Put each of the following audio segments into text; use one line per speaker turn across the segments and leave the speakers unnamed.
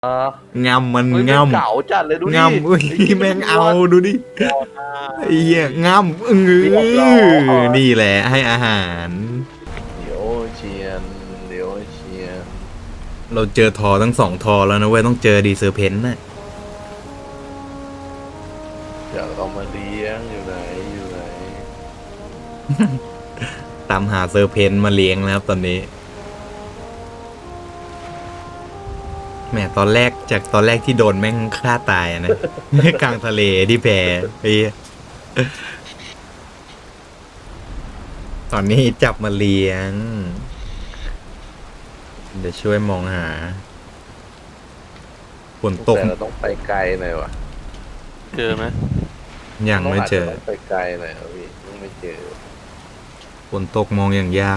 อ่า
งำมัน
เฮ้ย
ง
เก่าจัดเลยดู
ำ
ดิ
งำอุ้ยแม่งเอาดูดิไอ้เหี้ยงำ
เรียบร้อย
นี่แหละให้อาหาร
เดี๋ยวเชียนเดี๋ยวเชียน
เราเจอทอทั้ง2 ทอแล้วนะเว้ยต้องเจอดีเซอร์เพนต์น่ะ
อยากเอามาเลี้ยงอยู่ไหนอยู่ไหน
ตามหาเซอร์เพนต์มาเลี้ยงแล้วครับตอนนี้แหมตอนแรกที่โดนแม่งฆ่าตายอะนะ กลางทะเลที่แพไอ้เหี้ยตอนนี้จับมาเลี้ยง เดี๋ยวช่วยมองหาฝนตก
แต่เราต้องไปไกลหน่อยวะ
เจอไหม
ยังไม่เจอ
ต้องไปไกลหน่อยพี่ยังไม่เจอ
ฝนตกมองอย่างยาก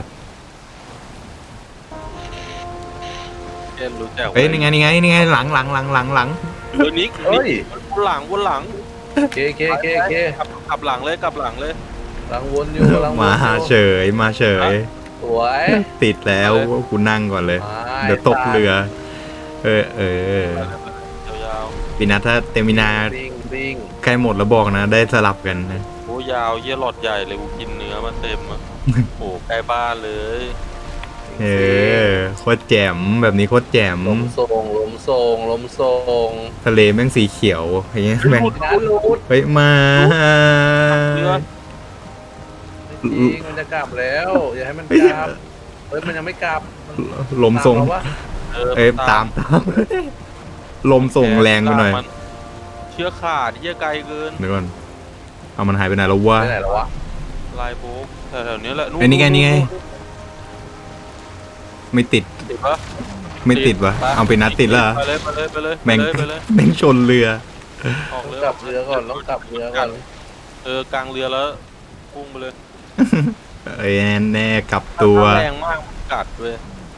เช่นรู้จัก
เฮ้ยนี่ไงหลัง
เออนิก
เฮ้ย
วนหลังวนหลัง
เคเคเคเค
กลับหลังเลยกลับหลังเลย
หลังวนอยู่หลังวน
มา
อยู่
เฉยมาเฉย
สวย
ติดแล้วกูนั่งก่อนเลย เดี๋ยวตกเรือ เออย
าว
ปีนัทถ้าเตมินา
บิงบิง
ใกล้หมดแล้วบอกนะ ได้สลับกันนะ
ๆโอ้ยาวเยี่ยหลอดใหญ่เลยกูกินเนื้อมาเต็มอ่ะโอ้ใกล้บ้านเลย
เออโคตรแจ่มแบบนี้โคตรแจ่ม
ลมทรงลมทรงลมทรง
ทะเลแม่งสีเขียวอย่างเงี้ยแม่ง
นะรูด
เฮ้ยมา
เนื้อ
จริงมันจะกลับแล้วอย่าให้มันกลับเฮ้ยมันยังไม่กลับ
ลมทรง
ตามเาวะ
เอ้ยตาม ลมส่งแรงไปหน่อย
เชือกขาดเยี่ยไกลเกิน
เดี๋ยวก่อนเอามันหายไปไหนแล้ววะ
ไปไหนแล้ววะ
ลายโบ๊กแถวๆนี้แหละ
ไอ้นี่ไงไม่ติด
ติดปะ
ไม่ติดวะเอาไปนัดติดแล้วเหรอ
ไปเลยไปเลยไปเลย
แม่ง
ไปเลย
แม่งชนเรือ
ออกเลย
กลับเรือก่อนต้องกลับเรือก่อน
กลางเรือแล้วพุ่งไปเลย
เอ้ยแน่กลับตัว
ถ้าแรงมากกัดเลย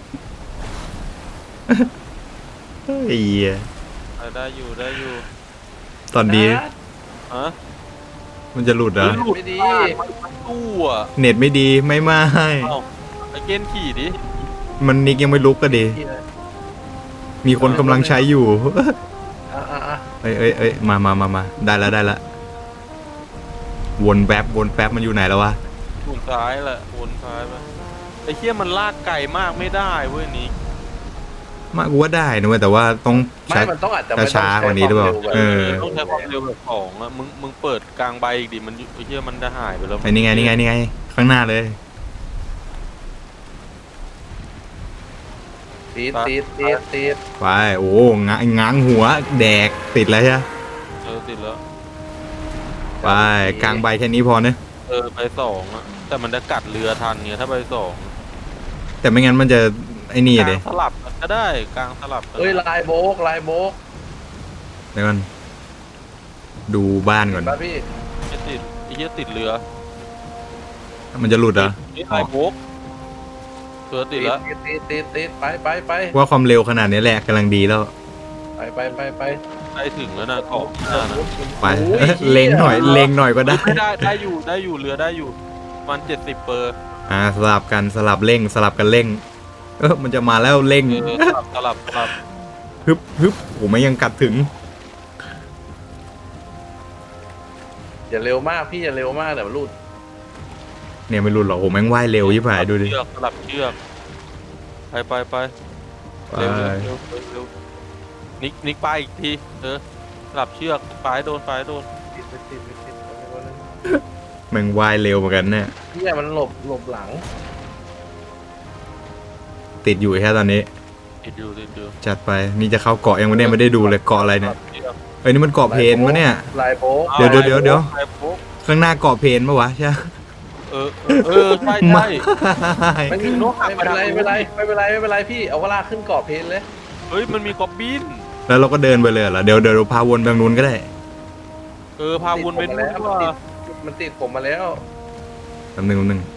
เฮ้ยเหี้ย
ได้อยู่ได้อยู่
ตอนนี้
ฮะ
มันจะหลุดเหรอ
ไม่ดี
มันตู้อ่ะ
เน็ตไม่ดีไม่
เอ้าไอ้เกณฑ์ขี่ดิ
มันนิกยังไม่ลุกก็ดี มีคนกำลังใช้อยู่
อ่ะ
เอ้ยมาได้ละวนแป๊บมันอยู่ไหนแล้ววะ
วนซ้ายแหละวนซ้ายไปไอ้เหี้ยมันลากไก่มากไม่ได้เว้ยนี้
มากูว่าได้นะเว้ยแต่ว่าต้อง
ไม่
ใช้
มันต้องอาจจะไม่ต้อง
ช้าๆกว่านี้หรือเปล่า
ใช้ควม
เออ
ต้องใช้ความเร็วแบบ2อ่ะมึงเปิดกลางใบอีกดิมันไอ้เหี้ยมันจะหายไปแล้ว
ไอ้นี่ไงข้างหน้าเลย
ติด
ไปโอ้ง้างหัวแดกติดแล้วใช่ไหม
ติดแล้ว
ไปกลางใบแค่นี้พอเนอะ
ไป2อ่ะแต่มันจะกัดเรือทันเนี่ยถ้าไป2
แต่ไม่งั้นมันจะไอ้นี่
กลา
เลย
งสลับก็ได้กลางสลับก็ได้
เอ้ยลายโบก
เดี๋ยวก่อนดูบ้านก่อน
ป่ะพี่
ไม่ติดไอ้เหี้ยติดเรือ
มันจะหลุดเหรอ
นี่ไอ้โบ๊กติดแล้ว
ติดไป
ว่าความเร็วขนาดนี้แหละกำลังดีแล้ว
ไป
ใกล้ถึงแล้วนะเกาะหน้านะ
ไป
โอ้ย
เล็งหน่อยก็ได้
ไม่ได้อยู่เรือได้อยู่มัน70เปอร์
สลับกันสลับเร่งมันจะมาแล้วเร่ง
สลับ
ฮึบผมไม่ยังกัดถึง
อย่าเร็วมากพี่อย่าเร็วมากเดี๋ยวมันรูด
เนี่ยไม่หลุดหรอกผมแม่งว่ายเร็วยิ่งผายดูดิ
สลับเชือกไปเร็วนิกไปอีกทีสลับเชือกปลายโดน
ติด
แม่งว่ายเร็วเหมือนกันเนี่ย
พี่มันหลบหลัง
ติดอยู่แค่ตอนนี้
ติดอยู่
จัดไปนี่จะเข้าเกาะยังไม่ได้ดูเลยเกาะอะไรเนี่ยเอ้ยนี่มันเกาะเพนปะเนี่ย
ลายโบก
เดี๋ยว
ไอ้โบ๊ก
ข้างหน้าเกาะเพนปะวะใช่
ใช่
ไม่
ไม่เป็นไรพี่เอาเวลาขึ้นเกาะเพนเลย
เฮ้ยมันมีกอบบิน
แล้วเราก็เดินไปเลยเหรอเดี๋ยวพาวนไปทางนู้นก็ได้
พาวนไปนู่นดีกว่า
มันติดผมมาแล้ว
แป๊บนึง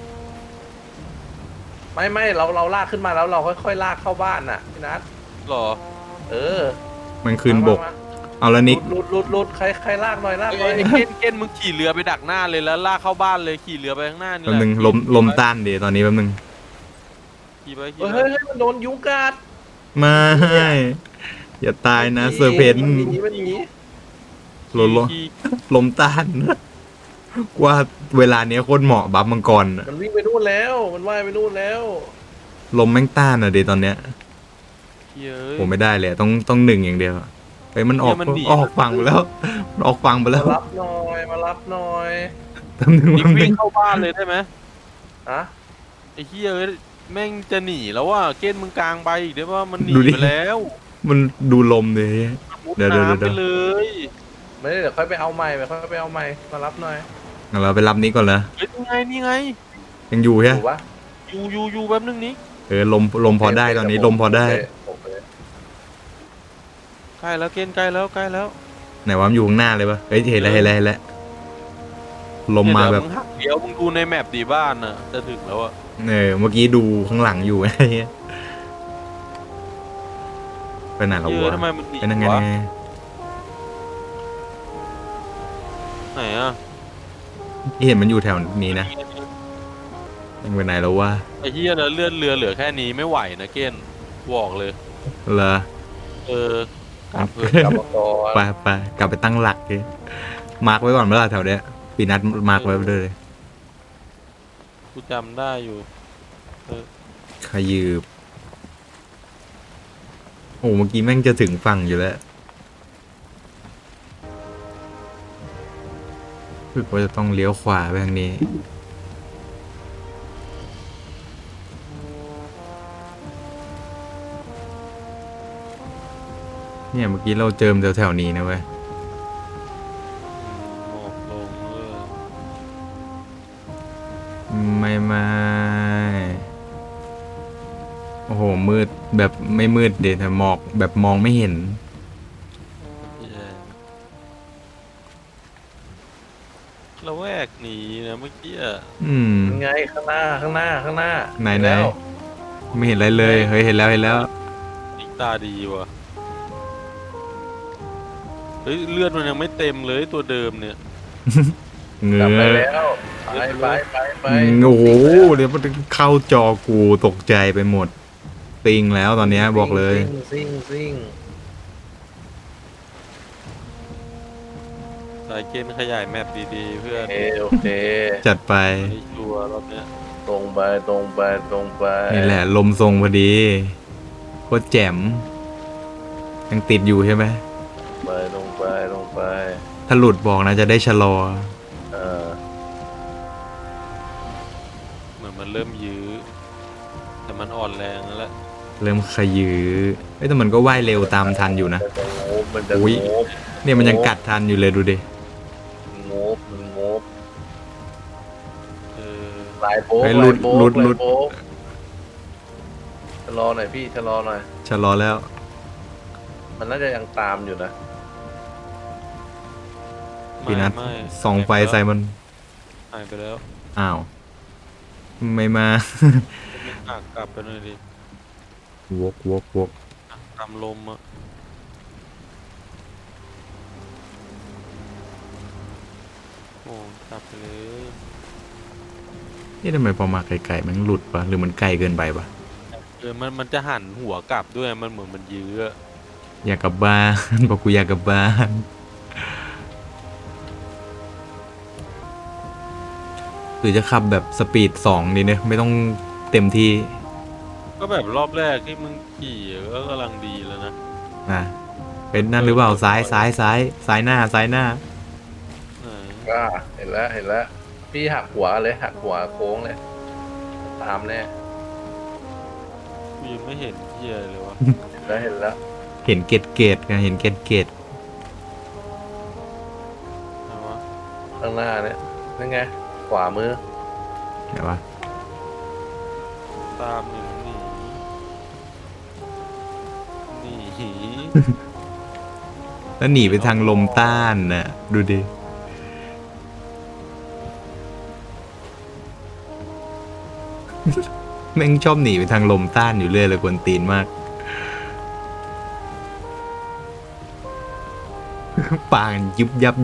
ไม่เราลากขึ้นมาแล้วเราค่อยๆลากเข้าบ้านน่ะพี่นัท
หรอ
มันคืนบกเอาละนิก
ลุดใครลากหน่อย
ไอ้เก้นมึงขี่เรือไปดักหน้าเลยแล้วลากเข้าบ้านเลยขี่เรือไปข้างหน้านี่
แป๊บ
แหละ
นึงลมต้านดีตอนนี้แป๊บนึง
ขี่ไป
เฮ้ยมันโดนยุงกัด
ไม่อย่าตายนะเซอร์เพน
มันหนีมันหนี
ลมลมต้านว่าเวลาเนี้ยโคตรเหมาะบัฟมังกรอะ
มันวิ่งไปนู่นแล้วมันว่ายไปนู่นแล้ว
ลมแม่งต้านอะเดตอนเนี้ย
เย้ย
ผมไม่ได้เลยต้องหนึ่งอย่างเดียวไปมันออก
เนี่ยมันหนี
ออกฟังไปแล้วมันออกฟังไปแล้
มาว รับหน่อยมารับหน่อย
ทำหนึ่ง
นี่
มันห
วิ่
นึ่
ง
ง
เข้าบ้านเลยได้ไหม
อะ
ไอ้เหี้ยเอ้ยแม่งจะหนีแล้วว่าเกณฑ์มึงกลางไปอีกได้ว่ามันหนี
ดูดิ
ไปแล้ว
มันดูลมเลย
มุด
เดี๋ยว
น้ำ
เดี๋
ไป
ยว
เลย
ไม่ได้เดี๋ยวค่อยไปเอาใหม่ค่อยไปเอาใหม่มารับหน่อย
งั้นเราไปรับนี้ก่อนละ
เฮ้ยนี่ไงนี่ไง
ยังอยู่ใช่
ถูกปะ
อยู่แป๊บนึงนี้
ลมพอได้ตอนนี้ลมพอได้
โอเค
ใกล้แล้วเกณฑ์ใกล้แล้วใกล้แล้ว
ไหนวะมันอยู่ข้างหน้าเลยปะเฮ้ยเห็นแล้วเห็นแล้วเห็นแล้วลมมาแบบ
เดี๋ยวมึงหักเดี๋ยวมึงดูในแมปดีบ้านน่ะจะถึงแล้วอะ
เมื่อกี้ดูข้างหลังอยู่ ไอ้เหี้ยไปไหนแล้ว
เยอะ
วะ
ทำไมมันหนี
เป็นยังไง
วะไหนอะ
เห็นมันอยู่แถวนี้นะยังไปไหนแล้ววะ
ไอ้เหี้ยแล้วเลือดเรือเหลือแค่นี้ไม่ไหวนะเกณฑ์บอกเลย
เหรอ
เออกลับเถ
กลั
อะ
บมาก่อน
ไปกลับไปตั้งหลักดิมาร์กไว้ก่อนเมื่อไหร่แถวเนี้ยปีนัดมาร์กไว้เลย
กูจำได้อยู่
ขยืบโอ้เมื่อกี้แม่งจะถึงฝั่งอยู่แล้วรู้สึกว่าจะต้องเลี้ยวขวาไปทางนี้เนี่ยเมื่อกี้เราเจิมแถวๆนี้นะเว้ย
หมอกลงเลย
ไม่โอ้โหมืดแบบไม่มืดเด็ดแต่หมอกแบบมองไม่เห็น
แย่เราแวกหนีนะเมื่อกี้อะ
อืม
ยังไงข้างหน้า
ไหน
แล้ว
ไม่เห็นอะไรเลยเฮ้ยเห็นแล้ว
อีกตาดีว่ะเฮ้ยเลือดมันยังไม่เต็มเลยตัวเดิมเนี่ย
เง
กลับไป
ื้อ
แล้วไป
โอ้โหเดี๋ยวมันเข้าจอกูตกใจไปหมดติงแล้วตอนเนี้ยบอกเลย
ซิ่ง
สายเกณฑ์ขยายแมปดีๆ เพื่อน
โอเค
จัดไป
ไม่ชัวร์รอบเนี้ย
ตรงไป
นี่แหละลมทรงพอดีโคตรแจ่มยังติดอยู่ใช่ไหม
ตรงไป
ถ้าหลุดบอกนะจะได้ชะลอ
เออ
เหมือนมันเริ่มยื้อ แต่มันอ่อนแรงแล้วแหละ
เริ่มขยือเอ้ยแต่มันก็ว่ายเร็วตามทันอยู่นะ
มันจะ
อุ๊ย
โงบ
เนี่ยมันยังกัดทันอยู่เลยดูดิ
มันโงบ
เออ
ลายโป๊ก
เฮ้ยหลุด
ชะลอหน่อยพี่ชะลอหน่อย
ชะลอแล้ว
มันน่าจะยังตามอยู่นะ
พี่นัท
ไม่
ส่องไฟใส่มัน
หายไปแล้ว
อ้าวไม่มา
ไม่หักกลับไปหน่อยดิ
วก
ตามลมอ่ะโอ้กลับไปเลย
นี่ทำไมพอมาไกลๆมันหลุดปะหรือมันไกลเกินไปปะ
มันจะหันหัวกลับด้วยมันเหมือนมันยื้ออะ
อยากกลับบ้าน บอกกูอยากกลับบ้านหรือจะขับแบบสปีด2ดีเนี่ยไม่ต้องเต็มที่
ก็แบบรอบแรกที่มึงขี่ก็กำลังดีแล้วนะ
นะเป็นนั่นหรือเปล่าซ้ายหน้า
ไหน
ก็เห็นแล้วพี่หักหัวเลยหักหัวโค้งเลย ตามแน่
กูยังไม่เห็นเหี้ยเลยวะ
เห็นแล้ว
เห็นเกตไงเห็นเกต
ไหนวะ
ข้างหน้าเนี่ยนั่นไงขวามือ
ไหนวะ
ตามหนีหนี
แล้วหนีไปทางลมต้านน่ะดูดิ แม่งชอบหนีไปทางลมต้านอยู่เรื่อยเลยกวนตีนมาก ปางยุบยับ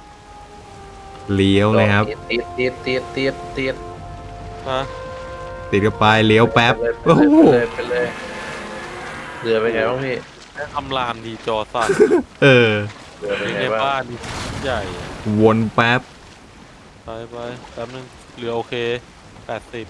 เลี้ยวเลยครับ
ตีด
ฮะ
ติดกันไปเลี้ยวแป๊บ
ไป
โอ้
เลย
โห
ไปเลยเรือเป็นไงบ้างพี่
ทำลานดีจอสั่น
เออ
เรือเป็น
วิ่ง
ไง
ใน
บ้าง
บ้านนี่ใหญ่
วนแป๊บ
ไปแป๊บนึงเรือโอเค80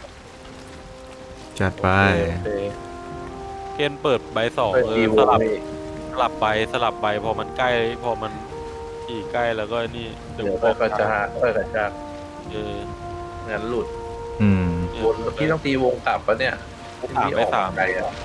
จัดไป
โอเค
เกณฑ์เปิดใบสอง
เปิด
เอ
ดี
อ
โว
ส
พี่
ลับใบพอมันใกล้พอมันขี่ใกล้แล้วก็นี่
เดี๋ยวค่อยกระชากค่อยกระชาก
เออ
งั้นหลุด
อืม
วนพี่ต้องตีวงกลับปะเนี่ย
ถามไปถาม
ไกลอ่ะ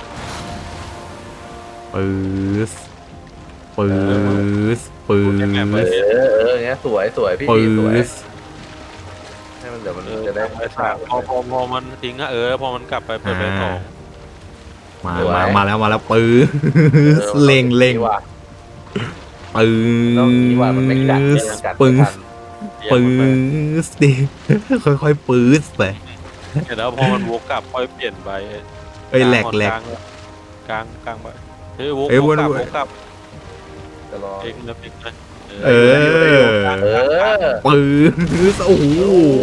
ปื๊สปื๊สปื๊
เอ
ส
อย่างเงี้ยสวยพี่
ปื๊
สวย
ส
ให้มันเดี๋ยวมัน
เออ
จะได้
ไปถามพอมันทิ้งอะพอมันกลับไปเปิดใบสอง
มาแล้วปื๊สเล็ง
นี่ว่ะ
ปื๊
ต้องนี่ว่ะมันไม่กัด
ส
มันกัด
ปื๊
ไม่ทั
ส
น
ปื๊สดิ ค่อยๆปื๊สไป
เสร็จแล้วพอมันวกกลับค่อยเปลี่ยนใบ
เอ้ยแหลก
กลางไปเฮ้ยวก
เอ้ยว
กกลับ
วน
วกกลับ
จะรอ
เองนะเองนะ
เออ
เออ
ปื๊สโอ้โห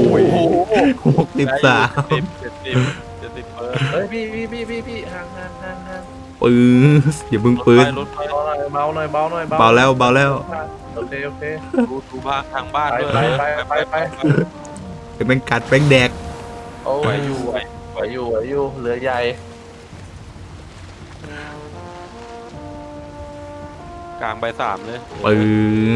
63
70เปิด
เฮ้ยพี่ห่าง
ปื๊สอย่าเพิ่งปื๊ส
รถไฟ
เบาหน่อย
เบาแล้ว
โอเค
ดูบ้านทางบ้านด้วย
ไป
เป็นแม่งกัดแม่งแดก
โอ้
ไหวย
อ
อยู่ ยู่
ไหวอยู่เรือใหญ่
กลางใบสามเลย
ปื๊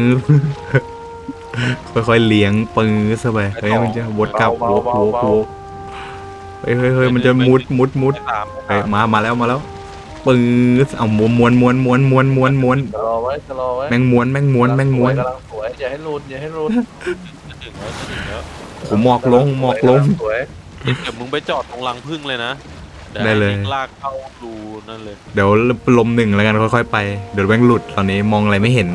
สค่อยๆเลี้ยงปื๊สเข้าไปเฮ้ยมันจะวนกลับวกเฮ้ยมันจะมุด
ใบสาม
เฮ้ยมาแล้วปื๊สเอาม้วน
จะรอไว้
แม่งม้วน
กำลังสวยอย่าให้รุน
จะถึงแล้ว
โหหมอกลง
สวย
เดี๋ยวมึงไปจอดตรงรังพึ่งเลยนะ
ได้เลย
ลากเข้ารูนั่นเลย
เดี๋ยวลมหนึ่งแล้วกันค่อยๆไปเดี๋ยวแม่งหลุดตอนนี้มองอะไรไม่เห็น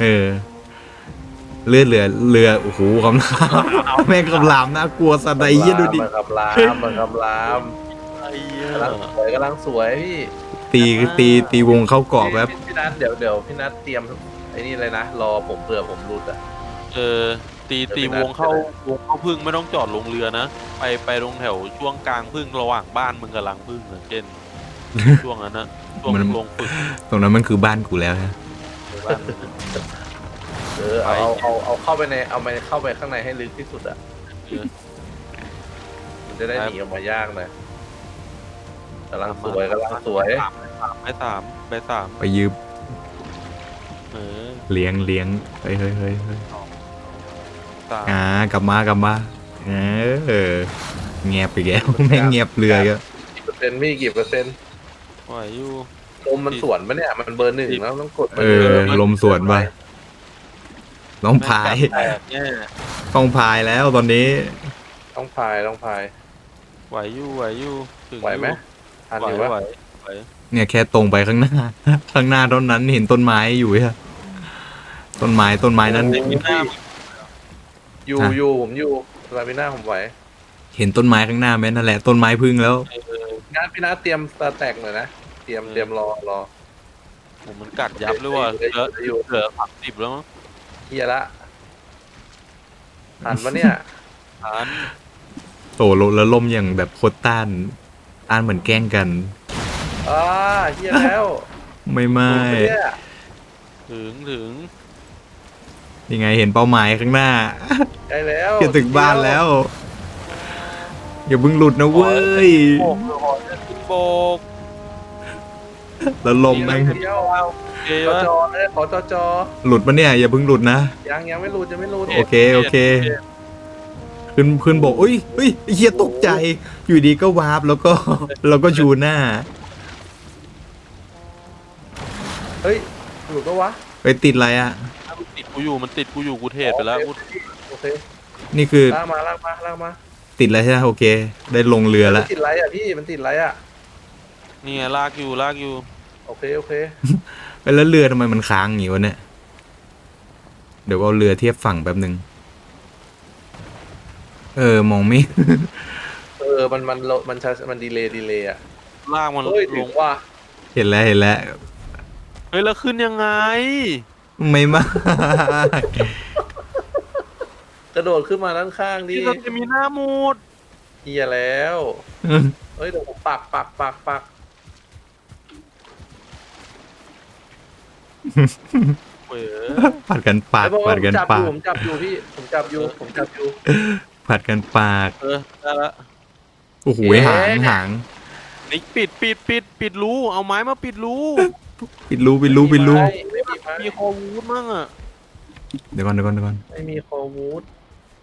เรือโอ้โหคำรามแม่งคำรามน่ากลัวสัตว์ใดเยี่ยดูดิ
มันคำราม
ไอ้เหี้ย
กำลังสวยพี่
ตีวงเข้ากรอบแบบ
พี่นัทเดี๋ยวพี่นัทเตรียมไอ้นี่เลยนะรอผมเผื่อผมรุดอ่ะ
ตีวงเข้าพึ่งไม่ต้องจอดลงเรือนะไปตรงแถวช่วงกลางพึ่งระหว่างบ้านมึงกับรังพึ่งอะเช่นช่วงนั้นนะช่วงลงฝึก
ตรงนั้นมันคือบ้านกูแล้วฮะ
บ้านมึงอะ
เอาเข้าไปเข้าไปข้างในให้ลึกที่สุดอ่ะ
เออ
มันจะได้หนีออกมายากหน่อยกำลังสวย
ใบสาม
ไปยืม
เออ
เลี้ยงเฮ้ย
สาม
กลับมาเงียบไปแกแล้วแม่งเงียบเรือก็
กี่เปอร์เซ็นต์พี่กี่เปอร์เซ็นต์
ไหวอยู่
ลมมันสวนปะเนี่ยมันเบอร์หนึ่งแล้วต้องกด
ลมสวนไปน้องพาย
แตกแน่
ต้องพายแล้วตอนนี้
ต้องพาย
ไหวอยู่ถึง
ไหวไหมทันอยู่
ไหว
วะ
เนี่ยแค่ตรงไปข้างหน้า ข้างหน้าเท่านั้นเห็นต้นไม้อยู่ฮะต้นไม้นั้น
อยู่ผมอยู่ลามิน่าผมไหว
เห็นต้นไม้ข้างหน้าไหมนั่นแหละต้นไม้พึ่งแล้ว
งานพี่นัทเตรียมสตาร์แต็กหน่อยนะเตรียมรอ
ผมมันกัดยับเลยว่ะเหลือ30แล้วมั้ง
เฮียละทันปะเนี่ย
ฐาน
โตแล้วลมอย่างแบบโคตรต้านเหมือนแกล้งกัน
เฮียแล้ว
ไม่
เนี่ย
ถึง
ยังไงเห็นเป้าหมายข้างหน้า
ใกล้แล้ว
จะถึงบ้านแล้ว อย่าเพิ่งหลุดนะเว้ย
โบกหอจะขึ้นโบก
แล้วลมแม่ง
เดียว
โอเค
ขอ
วะ
จอเลยขอจอ
หลุดปะเนี่ยอย่าเพิ่งหลุดนะ
ยังไม่รูดยังไม่รูด
โอเคขึ้นบกอุ้ยไอ้เหี้ยตกใจ อยู่ดีก็วาร์ปแล้วก็ชูหน้า
เฮ้ยหลุดปะวะ
ไปติดอะไรอ่ะ
มันติดกูอยู่กูเทศไปแล้วกู
โอเค
นี่คือ
ลากมา
ติดแล้วใช่ไหมโอเค ได้ลงเรือแล้ว
ติดไรอ่ะพี่มันติดไรอ่ะ
นี่ไงลากอยู่
โอเค
แล้วเรือทำไมมันค้างอย่างงี้วะเนี่ย เดี๋ยวเอาเรือเทียบฝั่งแป๊บหนึ่งมองไม่
มันดีเลย์อ่ะ
ลากมัน
เฮ้ย
ล
ถึ
ง
งว่า
เห็นแล้ว
เฮ้ยแล้วขึ้นยังไง
ไม่มาก
กระโดดขึ้นมาด้านข้างดิ
นี่เราจะมีหน้ามูด
เฮียแล้วเฮ้ยเดี๋ยวผมปัก
เว้ย
ผัดกันปาก
ไอ้บอก
ผั
ว่า
ด
ผม
กัน
จับอ
ปา
ยู่
ก
ผมจับอยู่พี่ผมจับอยู่
ผัดกันปาก
ได้ละ
โอ้โห
เอ๊ะ
หาง
นี่ปิดรูเอาไม้มาปิดรู
ปิดรูไม่มีไม้
มีคอวูดมั่งอ่ะ
เดี๋ยวก่อน
ไม่มีคอวูด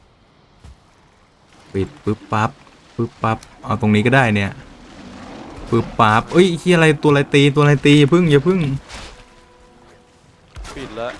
ปิดปึ๊บปั๊บเอาตรงนี้ก็ได้เนี่ยปึ๊บปั๊บเอ้ยที่อะไรตัวอะไรตีอย่าพึ่ง
ปิดแล้ว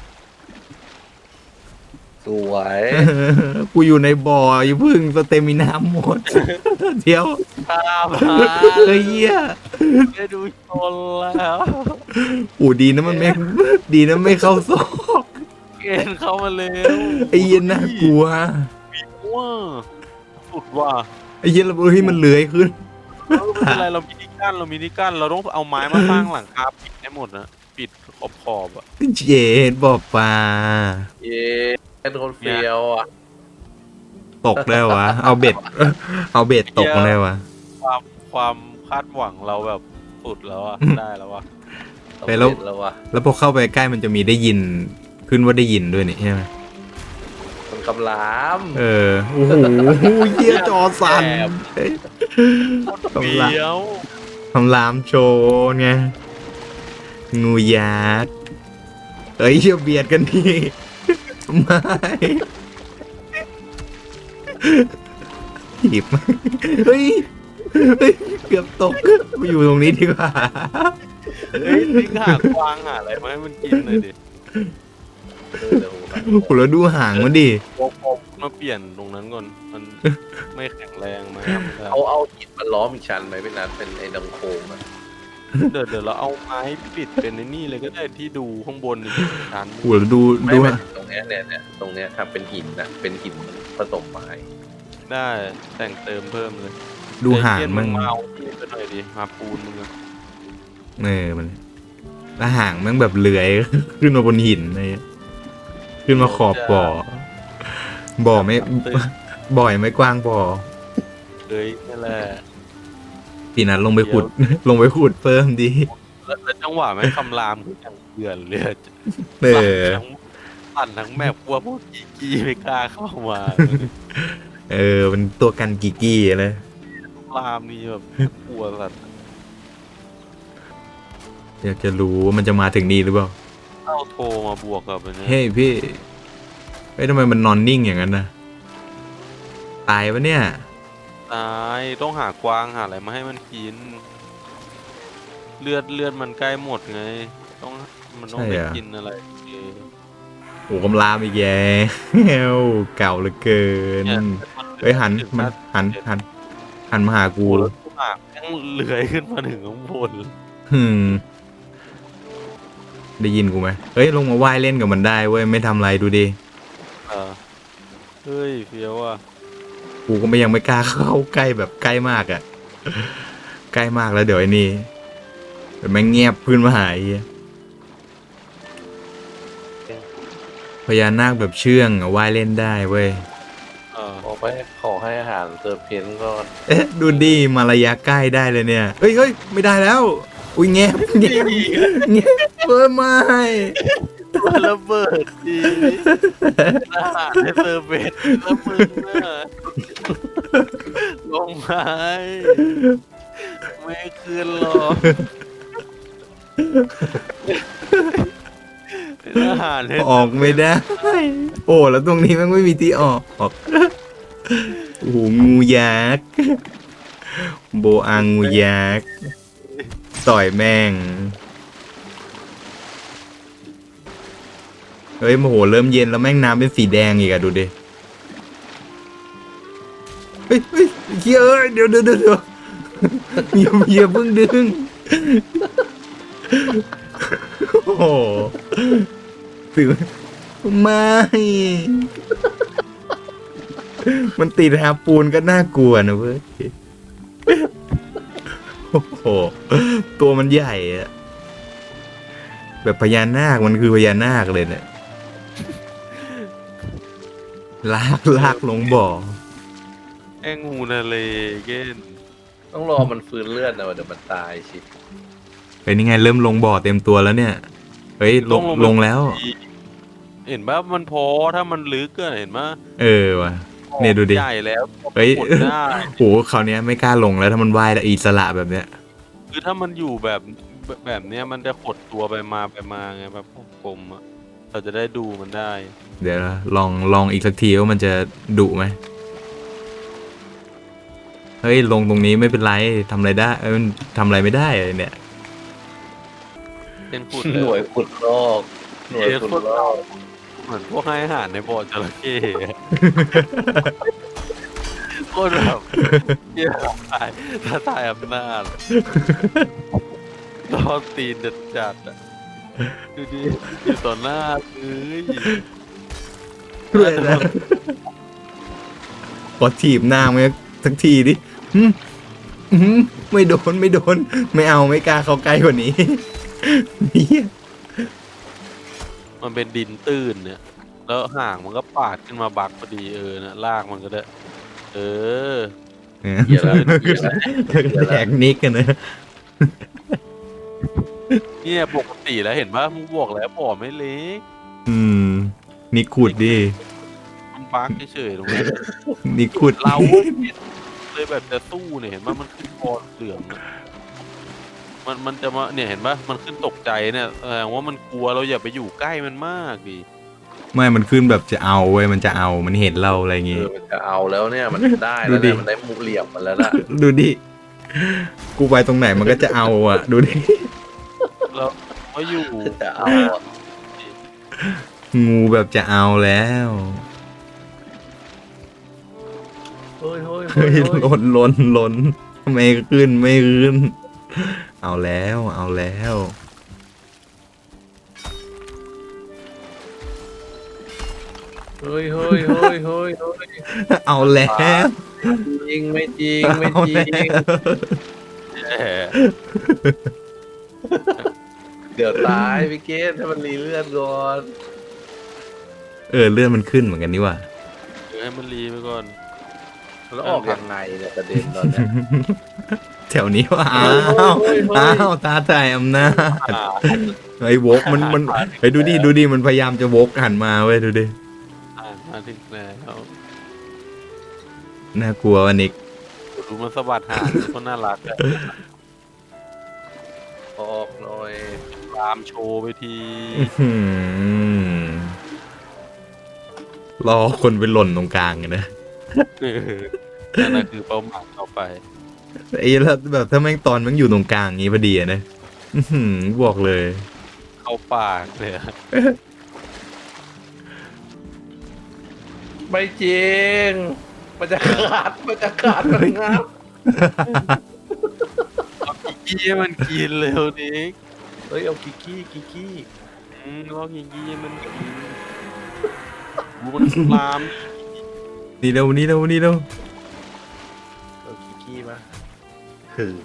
สวย
กูอยู่ในบ่ออย่าพึ่งสเตมินาหมด เดี๋ยว
ตามมา
เฮ้ยเหี้ย
ได้ดูชนแล้ว
โอ้ดีนะมันไม่ดีนะไม่เข้าซอก
เกณฑ์เข้ามาเร็ว
ไอ้เหี้ยน่ากลัว
ว้าสุดว่ะ
ไอ้เหี้ยระเบิดให้มันเลื้อยขึ้น
ไม่เป็นไรเรามีนิกั้นเราต้องเอาไม้มาสร้างหลังคาปิดให้หมดนะปิดขอบอ่ะ
เจ็ดบ่อปลา
เย้เป็นคนเฟี้ยวอ่ะ
ตกได้วะเอาเบ็ดตกมาได้วะ
ความคาดหวังเราแบบสุดแล้วอ่ะได้แล้วอ่ะ
ไปแล้ว
สำเร็จแล้ววะ
แล้วพอเข้าไปใกล้มันจะมีได้ยินขึ้นว่าได้ยินด้วยนี่ใช่ไหม
มันกำลาม
โอ้โหเหี้ยจอสั่นเฮ้ย
เดียว
คำรามโชว์ไงงูยักษ์เฮ้ยเบียดกันทีไม่ถีบเฮ้ยเกือบตกไปอยู่ตรงนี้ดีกว่า
เฮ้ยทิ้งหากวางหาอะไรมาให้มันกินเลยดิ
เดี๋ยว
โอ้โหแล้วดูห่างมันดิ
โอ้โหมาเปลี่ยนตรงนั้นก่อนมันไม่แข็งแรงมา
เอาหินมาล้อมอีกชั้นไหมเป็นนั้นเป็นไอ้ดังโคงอ่ะ
เดี๋ยวเราเอาไม้ปิดเป็นในนี่เลยก็ได้ที่ดูข้างบนนี่ชั้น
โอ้โหแล้วดู
ไม่
ดู
ไม่ตรงเนี้ยเนี่ยตรงเนี้ยทำเป็นหินนะเป็นหินผสมไม้
ได้แต่งเติมเพิ่มเลย
ดูห่าง
ไอ้เหี้ย
มัน
มาเอาที่ไปหน่อยดิมาปูนมึงอะ
มันแล้วห่างมันแบบเลื้อย ขึ้นมาบนหินอะไรเงี้ยขึ้นมาขอบบ่อไม่บ่อยไม่กว้างบ่อ
เลยนั่นแหละ
ปีนั้นลงไปขุด ลงไปขุดเพิ่มดี
แล้วจังหวะแม่งคำรามคืออย่างเดือนเลย ปั่นทั้งแมปกลัวพวกกีไม่กล้าเข้ามา
มันตัวกันกิกี้เลย
รามนี่แบบกลัวสัตว์
อยากจะรู้ว่ามันจะมาถึงนี่หรือเปล่า
เข้าโทรมาบวกกับอันเนี้ย
เฮ้ยพี่ทำไมมันนอนนิ่งอย่างนั้นนะตายปะเนี่ย
ตายต้องหากวางหาอะไรมาให้มันกิน เลือดมันใกล้หมดไง มันต้องไปกินอะไร
โอ้กำลามอีกแย่เก่าเหลือเกินเฮ้ยหันมาหากู
กูแล้วทุกหางยังเลื้อยขึ้นมาถึงข้างบน
ได้ยินกูไหมเฮ้ยลงมาว่ายเล่นกับมันได้เว้ยไม่ทำอะไรดูดิ
เฮ้ยเฟี้ยวอ่ะ
กูก็ยังไม่กล้าเข้าใกล้แบบใกล้มากอ่ะ ใกล้มากแล้วเดี๋ยวไอ้นี่เดี๋ยวแม่งเงียบพื้นมาหายพญานาคแบบเชื่องอะว่ายเล่นได้เว้ย
ขอให้อาหารเติมเพนก่อน
ดูดิมาระยะใกล้ได้เลยเนี่ยเฮ้ยไม่ได้แล้วอุ้ยแงบไม่
ระเบิดดีอาหารในเซอร์เวทแล้วมึงน่ะลงไม้ไม่คืนหรอกอาหารใน
ออกไม่ได้ โอ้แล้วตรงนี้มันไม่มีที่ออกโอ้โหงูยักษ์โบอางูยักษ์ต่อยแม่งเฮ้ยโมโหเริ่มเย็นแล้วแม่งน้ำเป็นสีแดงอีกอะดูดิเฮ้ยเดี๋ยวอย่าเพิ่งดึงโอ้โหถือไม่มันติดหาปูนก็น่ากลัวนะเว้ยโอ้โหตัวมันใหญ่อะแบบพญานาคมันคือพญานาคเลยเนี่ยลากลงบ่อ
ไอแองงูทะเลเก้น
ต้องรอมันฟื้นเลือดนะเดี๋ยวมันตายชิ
เฮ้ยนี่ไงเริ่มลงบ่อเต็มตัวแล้วเนี่ยเฮ้ยลงแล้ว
เห็นปะมันพอถ้ามันลึกก็เห็นปะ
ว่ะเนี่ยดูดิ
ใหญ่แล้ว
เฮ้ย
หมดได้
โหคราวเนี้ยไม่กล้าลงแล้วถ้ามันว่ายอิสระแบบเนี้ย
คือถ้ามันอยู่แบบเนี้ยมันจะขดตัวไปมาไงแบบกลมๆอะเราจะได้ดูมันได้
เดี๋ยวนะลองอีกสักทีว่ามันจะดุไหมเฮ้ยลงตรงนี้ไม่เป็นไรทำอะไรได้มันทำอะไรไม่ได้เลยเนี่ย
เป็นขุด
หน่วยขุดลอกหน่วยขุดลอก
เหมือนพวกให้อาหารในบ่อจระเข้อะโคตรแบบเหี้ยถ้าตายอำนาจล้อตีนจัดๆอ่ะดูดิอยู่ต่อหน้าเอ้ย
ด้วยนะขอถีบหน้ามันสักทีดิหึหึไม่โดนไม่เอาไม่กล้าเข้าใกล้กว่านี้ เหี้ย
มันเป็นดินตื้นเนี่ย แล้วห่างมันก็ปาดขึ้นมาบักพอดีนะลากมันก็ได้เออ
เหี้ยแล้วเหี้ยแล้ว
แดกนิกกันนะ
เนี่ยปกติแล้วเห็นปะมึงบอกแล้วบ่อไม่เล็ก
นิกขุดดิ
มันบักเฉยๆตรงนั้น
นิกขุด
เราเลยแบบจะสู้เนี่ยเห็นปะมันขึ้นคอเหลืองอะมันจะมาเนี่ยเห็นปะมันขึ้นตกใจเนี่ยแสดงว่ามันกลัวเราอย่าไปอยู่ใกล้มันมากดิ
ไม่มันขึ้นแบบจะเอาเว้ยมันจะเอามันเห็นเราอะไรอย่างงี้
มันจะเอาแล้วเนี่ยมันได้แล้ว
ดูดิ
เนี่ยมันได้มุกเหลี่ยมมันแล้วนะ
ดูดิ กูไปตรงไหนมันก็จะเอาอ่ะ ดูดิ
เราก็อยู่
จะเอาอะ
งูแบบจะเอาแล้ว
เฮ้ยเฮ้ย
เฮ้
เฮ้
ย
ย
ล้นไม่ขึ้นไม่ขึ้น เอาแล้วเอาแล้ว
เฮ้ยเฮ้ยเฮ้ยเฮ้ยเฮ้ย
เอาแล้ว
จริงไม่จริงไม่
เอา
จริ
แล้
ง
ว
แย่
เดี๋ยวตายพี่เกศให้มันรีเลือดก่อน
เลื่อนมันขึ้นเหมือนกันนี่ว่ะ
เดี๋ยวให้มันรีไปก่อน
แล้วออกยังไงเนี่ยประเด็นตอนเนี้ย
แถวนี้ว่าอ้า
เฮ้
วย
เฮ้ยเฮ้ย
อ้าวตาไทยอำนาจไอ้วกมันไอ้ดูดิมันพยายามจะวกหันมาเว้ยดูดิ
มาถึงแล้ว
น่ากลัววะนิก
ดูมันสะบัดหางคนน่ารักอะ
ออกหน่อย
ตามโชว์ไปที
อื้อหือรอคนไปหล่นตรงกลางไงนะ
นั่นนะคือเป้าหมายต่อไป
ไอ้แล้วแบบถ้าแม่งตอนแม่งอยู่ตรงกลางงี้พอดีอะนะอื้อหือบอกเลย
เข้าปากเลยอะ
ไม่จริงมันจะขาดมันงับ
เอากิกกี้ให้มันกินเร็วนิก
เฮ้ยเอากิกกี้
ลอกกิกกี้ให้มันกินดูมันลาม
นี่เร็ว
เอากิกกี้มาถือ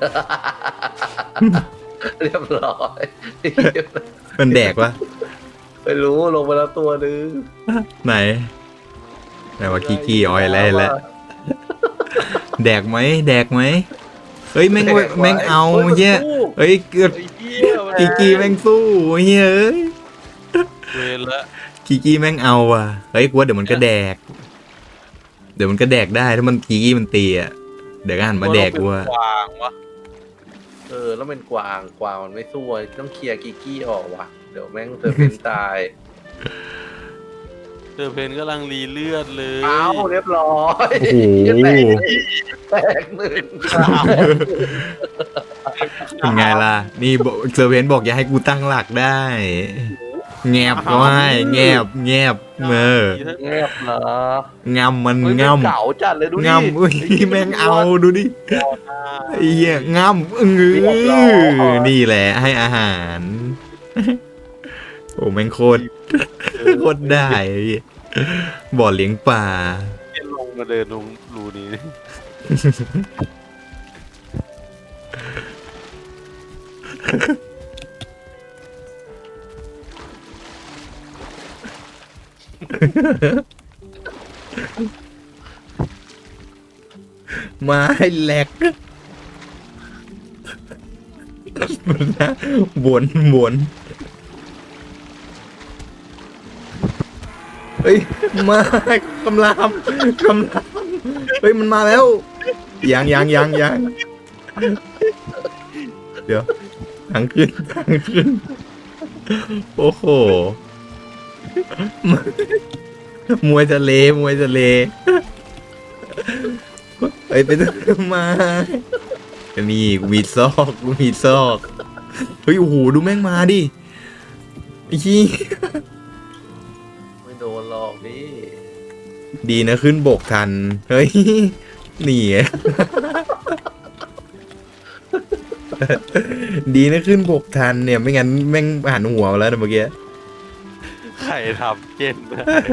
เรียบร้อย
มันแดกวะ
ไม่รู้ลงมาแล้วตัวนึง
ไหนว่ากี้ออยแล้วแดกไหมเฮ้ยแม่งเอาเหี้ยเฮ้ยเกิด
ไอ้เหี้ยมัน
กี้แม่งสู้เฮ้ยเอ้ย
เวรละ
กี้แม่งเอาว่ะเฮ้ยกูว่าเดี๋ยวมันก็แดกได้ถ้ามันกี้มันตีอ่ะเดี๋ยวก็หันมาแดกกูว่า
กวางวะ
แล้วเป็นกวางมันไม่สู้ต้องเคลียร์กิกกี้ออกว่ะเดี๋ยวแม่งเธอเป็นตาย
เธอเพนกำลังรีเลือดเลย
เอาเรียบร้อย
โอ้โห
แตกหนึ่ง
เป็นไงล่ะนี่เซอร์เพนบอกอย่าให้กูตั้งหลักได้แงบก็ให้แงบเ
งียบเหรอง
ำมัน
เฮ้ย
งำ
มันเก่าจัดเลยดูดิ
งำอุ้ยแม่งเอาดูดิไอ้เหี้ยงำนี่แหละให้อาหาร โอ้แม่งโคตรได้ไอ้เหี้ยบ่อเลี้ยงปลา
เดินลงมาเดินลงรูนี้
ไม้แหลกมันนะวนเฮ้ยมากำลามเฮ้ยมันมาแล้วยังเดี๋ยวทางขึ้นโอ้โหมวยทะเลเฮ้ยไปมานี่กูมีซอกเฮ้ยโอ้โหดูแม่งมาดิไอ้ชี้
ไม่โดนหรอกพี่
ดีนะขึ้นบกทัน เฮ้ย นี่ไง ดีนะขึ้นบกทันเนี่ยไม่งั้นแม่งหันหัวมาแล้วนะเมื่อกี้
ใครทำเจนนะ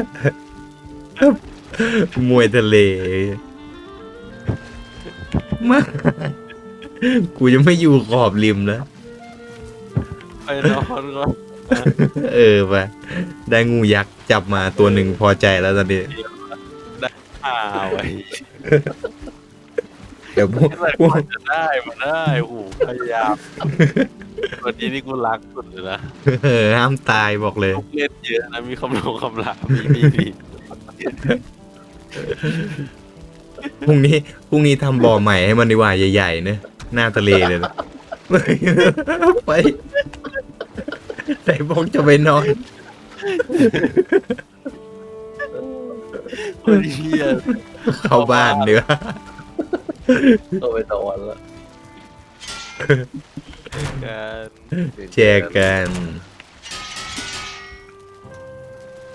มวยทะเลมากูจะไม่อยู่ขอบริมแล้ว
ไปนอนก่อน
เออไปได้งูยักษ์จับมาตัวหนึ่งพอใจแล้วตอนนี้
ไว้
เดี๋ยวพวก
อะไรมันจะได้มาได้โอ้โหพยายามวันนี้นี่กูรักสุดเลยนะ
ห้ามตายบอกเลย
ลูกเล่นเยอะนะมีคำลามี
พรุ่งนี้ทำบ่อใหม่ให้มันดีกว่าใหญ่ๆเนอะหน้าทะเลเลยนะ ไปไหนบอกจะไปนอน
คนเฮีย
เข้าบ้านเนื้อ
ก็ไปตะวันละ
กัน
แชร์กัน